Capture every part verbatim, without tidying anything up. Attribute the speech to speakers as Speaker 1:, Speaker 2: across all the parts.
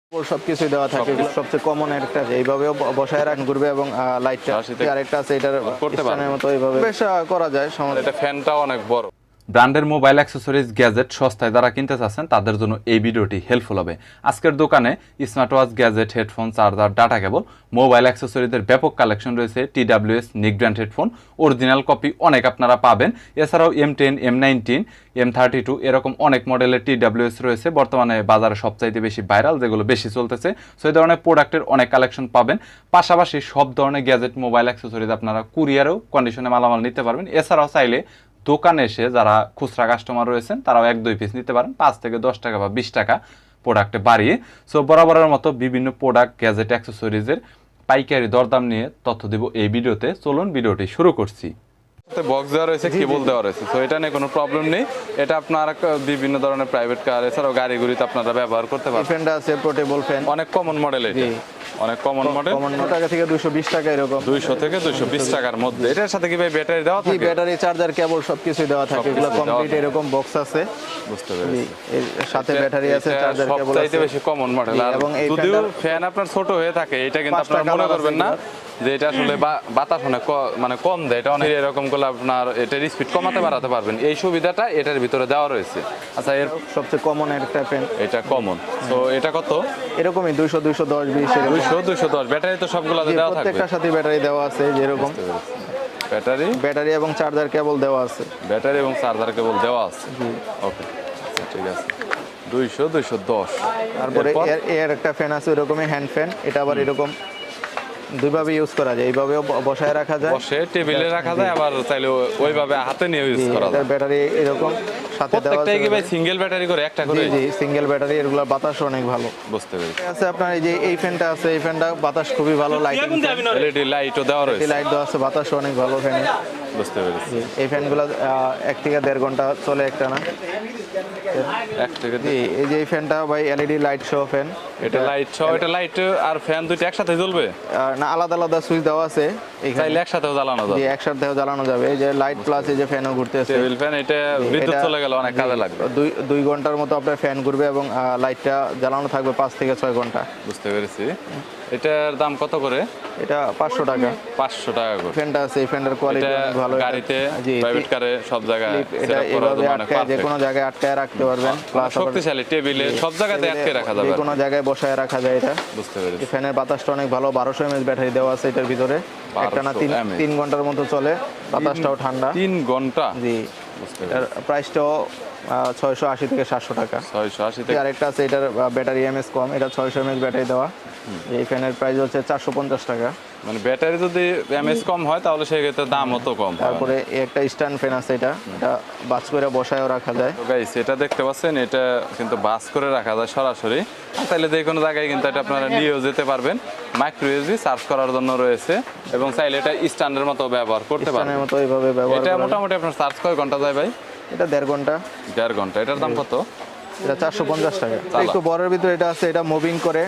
Speaker 1: সবকিছুই দেওয়া থাকে, সবচেয়ে কমন একটা এইভাবেও বসায় রাখেন ঘুরবে এবং লাইটটা আরেকটা আছে এটার করতে পারেন মতো এইভাবে বেশ করা যায়।
Speaker 2: এটা ফ্যানটাও অনেক বড়।
Speaker 3: ব্র্যান্ডের মোবাইল অ্যাক্সেসরিজ গ্যাজেট সস্তায় যারা কিনতে চাচ্ছেন তাদের জন্য এই ভিডিওটি হেল্পফুল হবে। আজকের দোকানে smart watch, gadget, headphone, charger, data cable, mobile অ্যাক্সেসরিজের ব্যাপক কালেকশন রয়েছে। টি ডাব্লিউ এস নিক ব্র্যান্ড হেডফোন অরিজিনাল কপি অনেক আপনারা পাবেন। এছাড়াও M ten, M nineteen, M thirty two এরকম অনেক মডেলের টি ডাব্লিউ এস রয়েছে বর্তমানে বাজারে সবচাইতে বেশি ভাইরাল, যেগুলো বেশি চলতেছে। সো এই ধরনের প্রোডাক্টের অনেক কালেকশন পাবেন। পাশাপাশি সব ধরনের গ্যাজেট, মোবাইল অ্যাক্সেসরিজ আপনারা কুরিয়ারেও কন্ডিশনে মালামাল নিতে পারবেন। এছাড়াও চাইলে দোকানে এসে যারা খুচরা কাস্টমার রয়েছেন তারাও এক দুই পিস নিতে পারেন, পাঁচ থেকে দশ টাকা বা বিশ টাকা প্রোডাক্টে বাড়িয়ে। সো বরাবরের মতো বিভিন্ন প্রোডাক্ট, গ্যাজেট, অ্যাক্সেসরিজের পাইকারি দরদাম নিয়ে তথ্য দিব এই ভিডিওতে। চলুন ভিডিওটি শুরু করছি।
Speaker 2: বক্স দেওয়া রয়েছে, কেবল দেওয়া রয়েছে, তো এটা নিয়ে কোনো প্রবলেম নেই। এটা আপনারা বিভিন্ন ধরনের প্রাইভেট কার এছাড়াও গাড়ি গুড়িতে আপনারা ব্যবহার করতে পারবেন।
Speaker 1: ফ্যানটা আছে পোর্টেবল ফ্যান,
Speaker 2: অনেক কমন মডেল, এটা অনেক কমন মডেল।
Speaker 1: কমন টাকা থেকে দুইশো বিশ টাকা এরকম,
Speaker 2: দুইশো থেকে দুইশো বিশ টাকার মধ্যে। এটার সাথে কি ভাই ব্যাটারি দেওয়া থাকে?
Speaker 1: ব্যাটারি, চার্জার, কেবল সবকিছুই দেওয়া থাকে, এগুলো কমপ্লিট এরকম বক্স আছে।
Speaker 2: বুঝতে পেরেছি।
Speaker 1: এর সাথে ব্যাটারি আছে, চার্জার, কেবল আছে।
Speaker 2: সবচাইতে বেশি কমন মডেল। এবং যদিও ফ্যান আপনার ছোট হয়ে থাকে, এটা কিন্তু আপনারা মনে করবেন না যে এটা আসলে বাতাস অনেক মানে কম দেয়। এটা অনেক এরকম করলে আপনার এটার স্পিড কমাতে বাড়াতে পারবেন, এই সুবিধাটা এটার ভিতরে দেওয়া রয়েছে। আচ্ছা, এর
Speaker 1: সবচেয়ে কমন একটা ফ্যান,
Speaker 2: এটা কমন। তো এটা কত?
Speaker 1: এরকমই দুইশো, দুইশো দশ, বিশ,
Speaker 2: দুইশো, দুইশো দশ। ব্যাটারি তো সবগুলোতে দেওয়া থাকবে,
Speaker 1: প্রত্যেকটার সাথে ব্যাটারি দেওয়া আছে। যেরকম
Speaker 2: ব্যাটারি
Speaker 1: ব্যাটারি এবং চার্জার কেবল দেওয়া আছে,
Speaker 2: ব্যাটারি এবং চার্জার কেবল দেওয়া আছে। ওকে, ঠিক আছে। দুইশো, দুইশো দশ।
Speaker 1: তারপরে এর একটা ফ্যান আছে ওইরকমই হ্যান্ড ফ্যান, এটা আবার এরকম দুইভাবে ইউজ করা যায়, এইভাবেও বসায় রাখা যায়,
Speaker 2: বসে টেবিলে রাখা যায়, আবার চাইলে ওইভাবে হাতে নিয়ে ইউজ করা যায়।
Speaker 1: ব্যাটারি এরকম সাথে দেওয়া আছে।
Speaker 2: প্রত্যেকটাই কি ভাই সিঙ্গেল ব্যাটারি করে একটা করে?
Speaker 1: জি, সিঙ্গেল ব্যাটারি, এগুলোর বাতাস অনেক ভালো।
Speaker 2: বুঝতে পেরেছি।
Speaker 1: আছে আপনার এই যে এই ফ্যানটা আছে, এই ফ্যানটা বাতাস খুবই ভালো, লাইটিং,
Speaker 2: এলইডি লাইটও দেওয়া রয়েছে,
Speaker 1: লাইট দেওয়া আছে, বাতাস অনেক ভালো ফ্যানে।
Speaker 2: বুঝতে পেরেছি।
Speaker 1: এই ফ্যানগুলো এক থেকে দেড় ঘন্টা চলে একটা না
Speaker 2: এক থেকে
Speaker 1: জি। এই যে এই ফ্যানটা ভাই এলইডি লাইট সহ ফ্যান,
Speaker 2: এটা লাইট সহ, এটা লাইট আর ফ্যান দুইটা একসাথে জ্বলবে
Speaker 1: না আলাদা আলাদা সুইচ দেওয়া আছে,
Speaker 2: চাইলে একসাথেও জ্বালানো যাবে।
Speaker 1: জি, একসাথেও জ্বালানো যাবে। এই যে লাইট প্লাস এই যে ফ্যানও ঘুরতেছে,
Speaker 2: টেবিল ফ্যান, এটা বিদ্যুৎ চলে গেলে অনেক কাজে লাগবে।
Speaker 1: দুই দুই ঘন্টার মতো আপনার ফ্যান ঘুরবে এবং লাইটটা জ্বালানো থাকবে পাঁচ থেকে ছয় ঘন্টা।
Speaker 2: বুঝতে পেরেছি। এটার দাম কত করে?
Speaker 1: এটা পাঁচশো টাকা।
Speaker 2: পাঁচশো টাকা করে
Speaker 1: ফ্যানটা আছে, এই ফ্যানের কোয়ালিটি অনেক ভালো।
Speaker 2: গাড়িতে, প্রাইভেট কারে, সব জায়গায়
Speaker 1: এটা এইভাবে আটকায়, যে কোনো জায়গায় আটকায় রাখতে পারবেন। প্লাস
Speaker 2: শক্তিশালী, টেবিলে সব জায়গাতে আটকে রাখা যাবে,
Speaker 1: যে কোনো জায়গায় বসায় রাখা যায় এটা।
Speaker 2: বুঝতে পেরেছি।
Speaker 1: ফ্যানের বাতাসটা অনেক ভালো, বারোশো এমএএইচ ব্যাটারি দেওয়া আছে এটার ভিতরে, একটা না তিন তিন ঘন্টার মতো চলে, বাতাসটাও ঠান্ডা।
Speaker 2: তিন ঘন্টা
Speaker 1: জি। এটার প্রাইসটাও ছয়শো আশি থেকে সাতশো টাকা।
Speaker 2: ছয়শো আশি থেকে।
Speaker 1: আরেকটা আছে, এটার ব্যাটারি এমএস কম, এটা ছয়শো এমএএইচ ব্যাটারি দেওয়া। এই ফ্যানের প্রাইস হচ্ছে চারশো পঞ্চাশ টাকা।
Speaker 2: মানে ব্যাটারি যদি এমএস কম হয় তাহলে সেক্ষেত্রে দাম অত কম।
Speaker 1: তারপরে একটা স্ট্যান্ড ফ্যান আছে, এটা এটা বাস করে বসায়ও রাখা যায়।
Speaker 2: তো গাইস, এটা দেখতে পাচ্ছেন, এটা কিন্তু বাস করে রাখা যায় সরাসরি, তাহলে যে কোনো জায়গায় কিন্তু এটা আপনারা নিয়েও যেতে পারবেন। মাইক্রো ইউএসবি চার্জ করার জন্য রয়েছে এবং চাইলে এটা স্ট্যান্ডের মতো ব্যবহার করতে পারবেন।
Speaker 1: স্ট্যান্ডের মতো এইভাবে ব্যবহার
Speaker 2: এটা মোটামুটি আপনার চার্জ কয় ঘন্টা যায় ভাই?
Speaker 1: এটা দেড় ঘন্টা।
Speaker 2: দেড় ঘন্টা। এটার দাম কত?
Speaker 1: এটা চারশো পঞ্চাশ টাকা। একটু বড়ের ভিতরে এটা আছে, এটা মুভিং করে।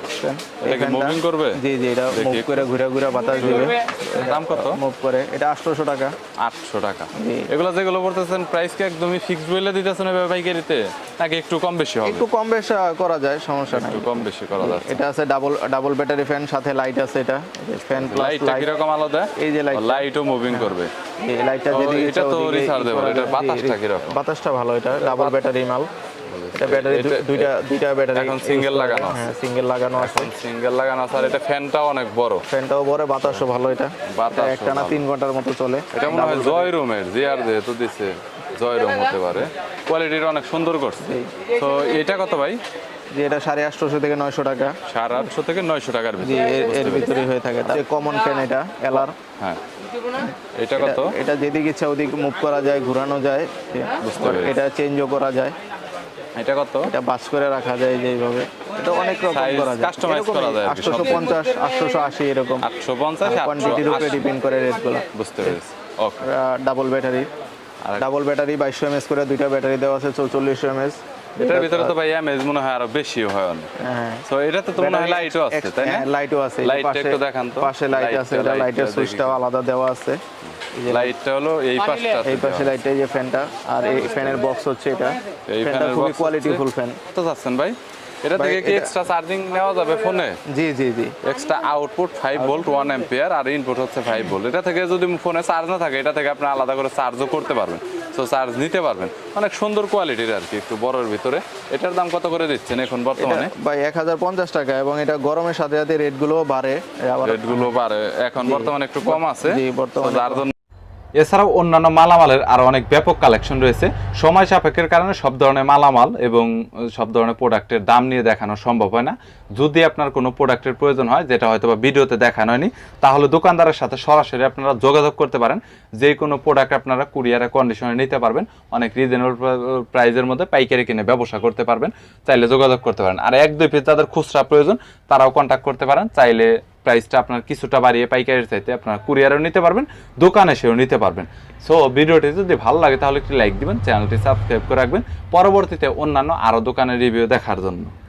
Speaker 2: এটা মুভিং করবে?
Speaker 1: জি জি, এটা মুভ করে ঘুরে ঘুরে বাতাস দিবে।
Speaker 2: দাম কত?
Speaker 1: মুভ করে, এটা আটশোশো টাকা।
Speaker 2: আটশো টাকা। এগুলো যেগুলো বলতেছেন প্রাইস কি একদমই ফিক্সড বলে দিতেছেন এভাবে পাইকারিতে, নাকি একটু কম বেশি হবে?
Speaker 1: একটু কম বেশি করা যায়, সমস্যা নাই,
Speaker 2: একটু কম বেশি করা যায়।
Speaker 1: এটা আছে ডাবল ডাবল ব্যাটারি ফ্যান, সাথে লাইট আছে। এটা ফ্যান প্লাস
Speaker 2: লাইটটা কি রকম আলাদা?
Speaker 1: এই যে লাইট,
Speaker 2: লাইটও মুভিং করবে।
Speaker 1: এই লাইটটা যেদিকে
Speaker 2: এটা তো রিচার্জেবল, এটার বাতাসটা কি রকম?
Speaker 1: বাতাসটা ভালো, এটা ডাবল ব্যাটারি মাল। এটা ব্যাটারি দুইটা দুইটা ব্যাটারি
Speaker 2: এখন সিঙ্গেল লাগানো আছে।
Speaker 1: হ্যাঁ, সিঙ্গেল লাগানো আছে,
Speaker 2: সিঙ্গেল লাগানো আছে। আর এটা ফ্যানটাও অনেক বড়,
Speaker 1: ফ্যানটাও বড়, বাতাসও ভালো। এটা
Speaker 2: বাতাস
Speaker 1: একটা না তিন ঘন্টার মতো চলে।
Speaker 2: এটা মনে হয় জয় রুমের, জিআর যেহেতু দিছে জয় রুম হতে পারে। কোয়ালিটিটা অনেক সুন্দর করছে। তো এটা কত ভাই?
Speaker 1: যে এটা সাড়ে আটশোশো থেকে নয়শো টাকা।
Speaker 2: সাড়ে আটশো থেকে নয়শো টাকার
Speaker 1: জি, এর ভিতরে হয়ে থাকে। যে কমন ফ্যান, এটা এলআর।
Speaker 2: হ্যাঁ, এটা কত?
Speaker 1: এটা যেদিকে ইচ্ছা ওদিকে মুভ করা যায়, ঘোরানো যায়, এটা চেঞ্জও করা যায়।
Speaker 2: এটা কত?
Speaker 1: এটা বাস করে রাখা যায় যে এইভাবে, এটা অনেক রকম করা যায়,
Speaker 2: কাস্টমাইজ করা যায়।
Speaker 1: আটশোশো পঞ্চাশ, আটশোশো আশি এরকম,
Speaker 2: আটশো পঞ্চাশ,
Speaker 1: কোয়ান্টিটির উপরে ডিপেন্ড করে রেটগুলো।
Speaker 2: বুঝতে পেরেছি। Okay.
Speaker 1: Double battery, double battery বাইশশো এমএস করে দুইটা ব্যাটারি দেওয়া আছে, চৌচল্লিশশো এমএস।
Speaker 2: এটার ভিতরে তো ভাই এমএস মনে হয় আরো বেশি হয় অনেক।
Speaker 1: হ্যাঁ,
Speaker 2: সো এটাতে তো মনে হয় লাইটও আছে, তাই না?
Speaker 1: লাইটও আছে,
Speaker 2: লাইটটা একটু দেখান তো।
Speaker 1: পাশে লাইট আছে, এটা লাইটের সুইচটাও আলাদা দেওয়া আছে।
Speaker 2: লাইটটা হলো এই পাশটা,
Speaker 1: এই পাশে লাইটটা, এই যে ফ্যানটা, আর এই ফ্যানের বক্স হচ্ছে এটা। এই ফ্যানটা খুবই কোয়ালিটিফুল ফ্যান।
Speaker 2: কত যাচ্ছেন ভাই? এটা
Speaker 1: ভাই,
Speaker 2: থেকে কি
Speaker 1: এটা-
Speaker 2: এক্সট্রা চার্জিং নেওয়া যাবে ফোনে?
Speaker 1: জি জি জি
Speaker 2: extra output five volt one ampere আর ইনপুট হচ্ছে ফাইভ ভোল্ট। এটা থেকে যদি ফোনে চার্জ না থাকে এটা থেকে আপনি আলাদা করে চার্জও করতে পারবেন, তো চার্জ নিতে পারবেন। অনেক সুন্দর কোয়ালিটির আর কি, একটু বড়র ভিতরে। এটার দাম কত করে দিচ্ছেন এখন
Speaker 1: এটা
Speaker 2: বর্তমানে?
Speaker 1: ভাই এক হাজার পঞ্চাশ টাকা, এবং এটা গরমের সাথে সাথে রেট গুলো বাড়ে আবার।
Speaker 2: রেটগুলো বাড়ে, এখন বর্তমানে একটু কম আছে,
Speaker 1: জি,
Speaker 2: তো
Speaker 1: বর্তমানে
Speaker 2: যার জন্য
Speaker 3: এছাড়াও অন্যান্য মালামালের আরো অনেক ব্যাপক কালেকশন রয়েছে। সময় সাপেক্ষের কারণে সব ধরনের মালামাল এবং সব ধরনের প্রোডাক্টের দাম নিয়ে দেখানো সম্ভব হয় না। যদি আপনার কোনো প্রোডাক্টের প্রয়োজন হয় যেটা হয়তো বা ভিডিওতে দেখানো হয়নি, তাহলে দোকানদারের সাথে সরাসরি আপনারা যোগাযোগ করতে পারেন। যে কোনো প্রোডাক্ট আপনারা কুরিয়ারে কন্ডিশনে নিতে পারবেন, অনেক রিজনেবল প্রাইসের মধ্যে পাইকারি কিনে ব্যবসা করতে পারবেন, চাইলে যোগাযোগ করতে পারেন। আর এক দুই পিস যাদের খুচরা প্রয়োজন তারাও কন্ট্যাক্ট করতে পারেন, চাইলে প্রাইসটা আপনার কিছুটা বাড়িয়ে পাইকারির চাইতে আপনার কুরিয়ারেও নিতে পারবেন, দোকানে এসেও নিতে পারবেন। সো ভিডিওটি যদি ভালো লাগে তাহলে একটি লাইক দিবেন, চ্যানেলটি সাবস্ক্রাইব করে রাখবেন পরবর্তীতে অন্যান্য আরও দোকানের রিভিউ দেখার জন্য।